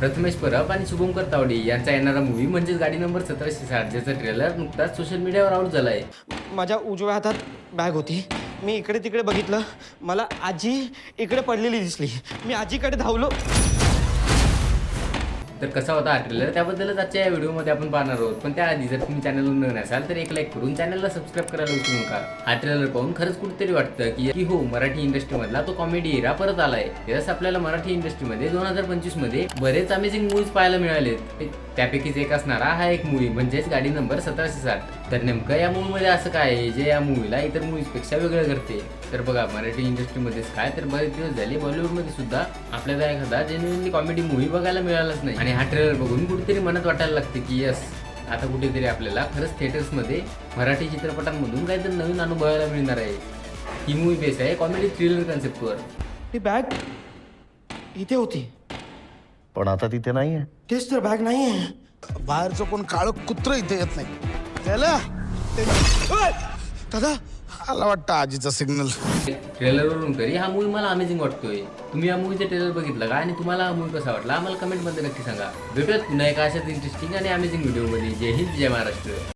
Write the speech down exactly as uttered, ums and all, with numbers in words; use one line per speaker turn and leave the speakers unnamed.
प्रथमेश परब आणि शुभंकर तावडे यांचा येणारा मूवी म्हणजेच गाडी नंबर सतराशे साठ, ज्याचा ट्रेलर नुकताच सोशल मीडियावर आउट झाला आहे.
माझ्या उजव्या हातात बॅग होती. मी इकडे तिकडे बघितलं, मला आजी इकडे पडलेली दिसली. मी आजीकडे धावलो.
तर कसा होता हा ट्रेलर त्याबद्दलच आजच्या या व्हिडिओमध्ये आपण पाहणार आहोत. पण त्याआधी जर तुम्ही चॅनलवर नवीन असाल तर एक लाईक करून चॅनलला सबस्क्राईब करायला विसरू नका. हा ट्रेलर पाहून खरंच कुठेतरी वाटतं की की हो, मराठी इंडस्ट्रीमधला तो कॉमेडी एरा परत आलाय. यस, आपल्याला मराठी इंडस्ट्रीमध्ये दोन हजार पंचवीस मध्ये बरेच अमेझिंग मूवीज पाहायला मिळालेत. त्यापैकीच एक असणारा हा एक मूवी म्हणजेच गाडी नंबर सतराशे साठ. तर नेमकं या मूवीमध्ये असं काय आहे जे या मूवीला इतर मूवीजपेक्षा वेगळं करते? तर बघा, मराठी इंडस्ट्रीमध्येच काय तर बरेच दिवस झाले बॉलिवूडमध्ये सुद्धा आपल्याला एखादा जेन्युइनली कॉमेडी मूवी बघायला मिळालाच नाही. आणि हा ट्रेलर बघून कुठेतरी मनात वाटायला लागते की यस, आता कुठेतरी आपल्याला खरंच थिएटर्समध्ये मराठी चित्रपटांमधून काहीतरी नवीन अनुभवायला मिळणार आहे. ही मूवी बेस आहे कॉमेडी थ्रिलर कन्सेप्टवर.
ती बॅग इथे होती,
पण आता तिथे नाहीये.
तेच तर बॅग नाही आहे.
बाहेरचं कोण काळं कुत्र इथे येत नाही. त्याला ओय! दादा आला वाटतं आजीचा सिग्नल.
ट्रेलरवरून तरी हा मूवी मला अमेझिंग वाटतोय. तुम्ही या मूवीचा ट्रेलर बघितलं का आणि तुम्हाला हा मूवी कसा वाटला आम्हाला कमेंटमध्ये नक्की सांगा. भेटूयात पुन्हा एका अशाच इंटरेस्टिंग आणि अमेझिंग व्हिडिओमध्ये. जय हिंद, जय महाराष्ट्र.